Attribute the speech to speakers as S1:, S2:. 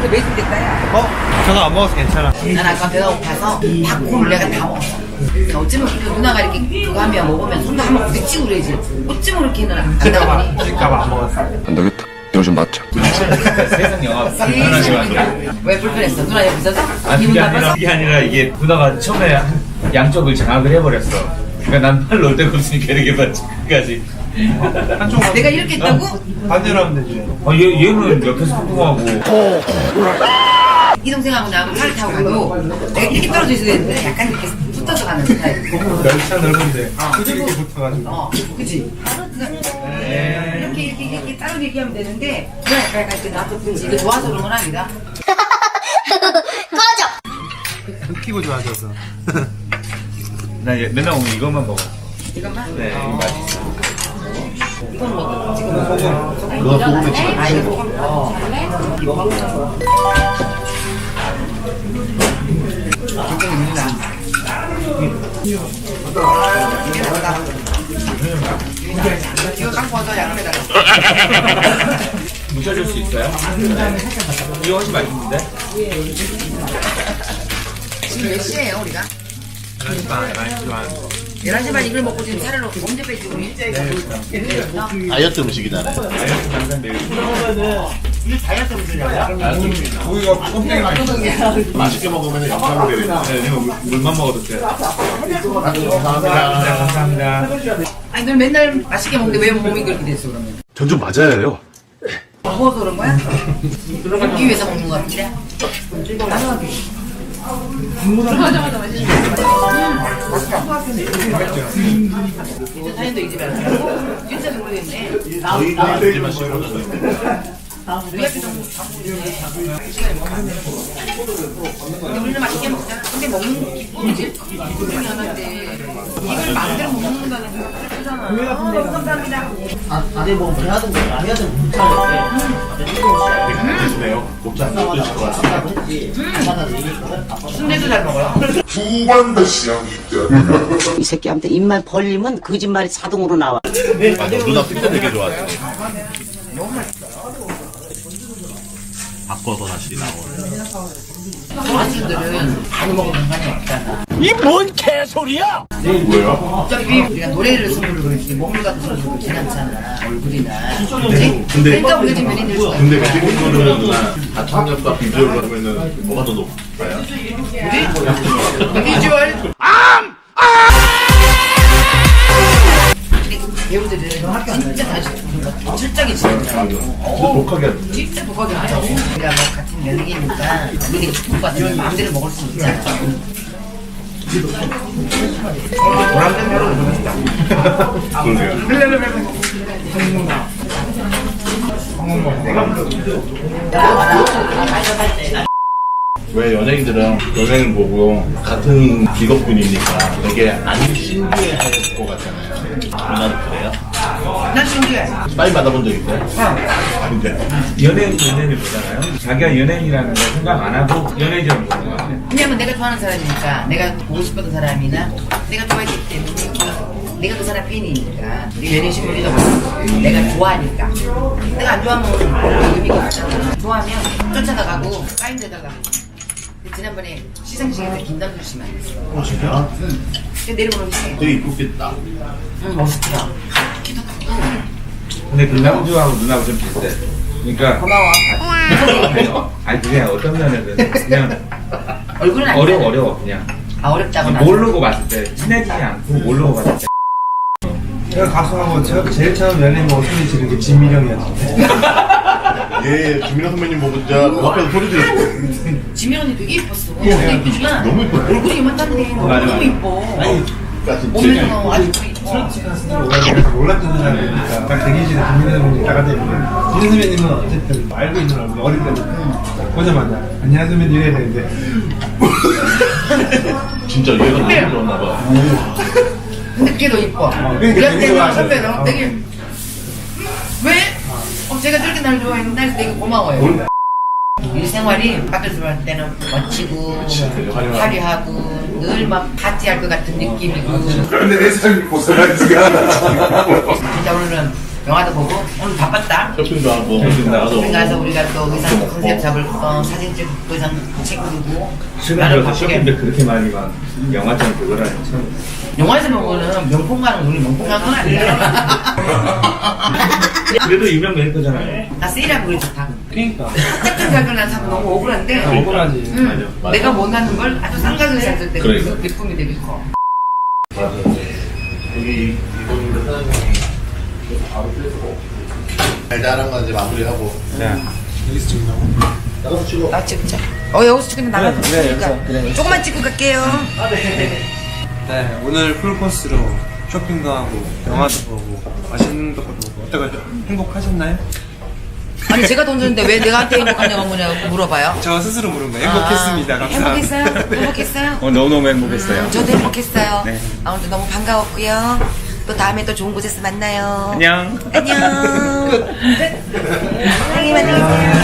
S1: 이거 매진 됐다야.
S2: 저도 안 먹어서 괜찮아.
S1: 난 아까 배가 고파서 닭고를 내가 다 먹었어. 어쩌면 그 누나가 이렇게 그거 하면 먹으면 손도 한번 부딪히고 그러지. 어쩌면 그렇게는 안 나오니.
S2: 그러니까 안 먹었어.
S3: 안 되겠다. 이거 좀 낫자.
S4: 세상 영화 불편하게 만들어.
S1: 왜 불편했어? 누나 옆에 있어서?
S4: 아니
S1: 기분
S4: 그게
S1: 나빠서?
S4: 아니라 이게 누나가 처음에 양쪽을 장악을 해버렸어. 그러니까 난 팔 놓을 데가 없으니까 이렇게 봤지. 끝까지.
S2: 한쪽
S1: 내가 이렇게 했다고?
S2: 반대로 하면 되지.
S4: 얘는 옆에서 funkfunk하고.
S1: 이 동생하고 나하고 차를 타고 가도 내가 이렇게 떨어져 있어야 되는데 약간 이렇게 붙어서 가는 스타일.
S2: 열차 넓은데 이렇게 붙어가지고.
S1: 그치? 이렇게 따로 얘기하면 되는데 그냥 약간 이렇게 나도 그치? 이거 좋아서 그런 건 아니다.
S2: 웃기고 좋아져서.
S4: 나 맨날 오면 이것만 먹어.
S1: 이것만?
S4: 네, 이거 맛있어.
S1: 이건 뭐 지금
S2: 소금.
S3: 그거 소금에 찍어.
S1: 아 이거 소금? 굉장히 묻나? 이거 갖고 와서 양념에다가
S4: 묻혀줄 수 있어요? 이거 훨씬 맛있는데?
S1: 지금 몇 시에요 우리가?
S2: 11시 반, 11시 반.
S1: 11시 반 이걸 먹고 지금 살을 언제 빼지 우리?
S3: 다이어트 음식이잖아요.
S4: 다이어트 방산데
S2: 고기가 껍데기 많이
S3: 맛있게 먹으면 영상으로 되니까.
S4: 네, 내가 물만 먹어도 돼.
S3: 감사합니다.
S4: 감사합니다.
S1: 아니 넌 맨날 맛있게 먹는데 왜 몸이 그렇게 됐어 그러면?
S3: 전 좀 맞아요.
S1: 먹어서 그런 거야? 먹기 위해서 먹는 거 같은데? 나는 이제 사연도 이 집에 안 진짜 모르겠네.
S3: 저희 집만 씹어요.
S1: 우리 앞에 너무 시간이 근데 우리는 맛있게 먹자. 근데 먹는 기쁨이지? 기쁨이 하나인데 이걸 마음대로 못 먹는다는 게 그렇잖아. 감사합니다.
S5: 아니 뭐 해야든 안 해야든 괜찮은데
S3: 드시네요. 곱창 드실 것 같아요.
S5: 한다고 했지 하나 얘기했거든.
S1: 순대도 잘 먹어요.
S5: 이 새끼한테 입만 벌리면 거짓말이 자동으로 나와.
S3: 맞아. 누나 특대 되게 좋아해요. 바꿔서 다시 나오는.
S1: 아저씨들은 많이 먹으면 상관이 없잖아.
S3: 뭐예요?
S1: 어차피 우리가 노래를 선물로 그러지 먹물 같은 선물로 지났잖아 얼굴이나 그치? 그러니까 우리가 지금 연예인들 좋아해.
S3: 근데 그 친구들은 누나 가창력과 비주얼로 하면은 뭐가 더 높아요?
S1: 비주얼 배우들은 진짜 다시 철저하게 진짜
S3: 독하게 하죠.
S1: 진짜 독하게 하죠. 우리가 뭐 같은 연예계니까 우리 축구받으면 마음대로 먹을 수 있잖아.
S3: 왜 연예인들은 연예인 보고 같은 직업군이니까 되게 안 신기해할 것 같잖아요. 누나도 그래요?
S1: 난 신기해.
S3: 빨리 받아본 적 있어요? 근데
S4: 연예인을 보잖아요. 자기가 연예인이라는 걸 생각 안 하고 연예인처럼 보는 거 같아요.
S1: 왜냐면 내가 좋아하는 사람이니까 내가 보고 싶었던 사람이나 내가 좋아했기 때문에 내가 그 사람 팬이니까 연예인 신분이다 보니까 내가 좋아하니까 내가 안 좋아하면 의미가 없잖아. 좋아하면 쫓아나가고 까인 데다가 지난번에 시상식에서 김남주 씨 만났어.
S3: 진짜?
S1: 근데 내려보는 게
S3: 되게 이쁘겠다.
S1: 멋있더라.
S4: 근데 김남주하고 누나하고 좀 비슷해. 그러니까
S1: 고마워.
S4: 아니 그냥 어떤 면에는 그냥
S1: 얼굴은 안
S4: 어려워 그냥.
S1: 아 어렵다고 나.
S4: 모르고 봤을 때 친해지지 않고 모르고 봤을 때.
S2: 제가 가수하고 제일 처음 연예인 보고 소리 지른 게 진미령이었는데.
S3: 예, 김민호 선배님 보고 진짜 그 앞에서 소리 질렀어요.
S1: 지민 언니 되게 예뻤어. 되게 예쁘지만
S3: 너무 이뻐요.
S1: 얼굴이 이만한데
S4: 맞아,
S1: 너무
S4: 맞아.
S1: 예뻐.
S2: 아니,
S1: 몸매도 너무 아주 이뻐.
S2: 내가 몰랐던 사람이니까 딱 대기실에 김민호 선배님 나가다 있는데 김민호 선배님은 어쨌든 알고 있는 얼굴 어릴 때부터 보자마자 안녕하세요 선배님 이래야 되는데
S3: 진짜 얘가 너무 좋았나 봐.
S1: 근데 그게 더 이뻐.
S2: 그러니까
S1: 우리한테
S2: 되게 좋아하죠.
S1: 선배는 되게 왜? 제가 저렇게 날 좋아했는데 그래서 되게 고마워요. 일생활이 밖에서 볼 때는 멋지고 화려하고 늘 막 파티할 것 같은 느낌이고
S2: 근데 내 삶이 고생하지가 않아.
S1: 진짜 오늘은 영화도 보고 오늘 바빴다.
S3: 쇼핑도 하고
S4: 나도.
S1: 쇼핑 가서 우리가 또 의상 컨셉 잡을 거 사진 찍고 의상 찍고
S4: 수면으로 쇼핑도 그렇게 많이 막 영화처럼 그거라니 참.
S1: 영화에서 보고는 명품 가는 거 우리 명품 가는 건 아니야.
S4: 그래도 유명 메이커잖아요.
S1: 나 세일하고 그래 좋다.
S2: 그러니까
S1: 같은 가격을 난 사면 너무 억울한데.
S2: 억울하지.
S1: 응.
S3: 맞아.
S1: 내가 원하는 걸 아주 싼 가격에 샀을 때
S3: 그러니까.
S1: 기쁨이 되게 커.
S3: 맞아. 여기 이번에 사장님이 바로 빼고 달달한 거 이제 마무리하고.
S2: 자 여기서 찍는다고?
S3: 나가서 찍어.
S1: 나 찍자. 여기서 찍으면 나가서
S4: 그래,
S1: 찍으니까.
S4: 그래.
S1: 조금만 찍고 갈게요.
S2: 네 오늘 풀코스로 쇼핑도 하고 영화도 보고 맛있는 것도 보고 어떠세요? 행복하셨나요?
S1: 아니 제가 돈 줬는데 왜 내가한테 행복하냐고 물어봐요.
S2: 저 스스로 물은 거예요. 행복했습니다. 감사합니다.
S1: 행복했어요? 행복했어요?
S4: 너무너무 행복했어요.
S1: 저도 행복했어요.
S4: 네.
S1: 오늘도 너무 반가웠고요. 또 다음에 또 좋은 곳에서 만나요.
S4: 안녕.
S1: 안녕. 사랑해, 안녕히 계세요.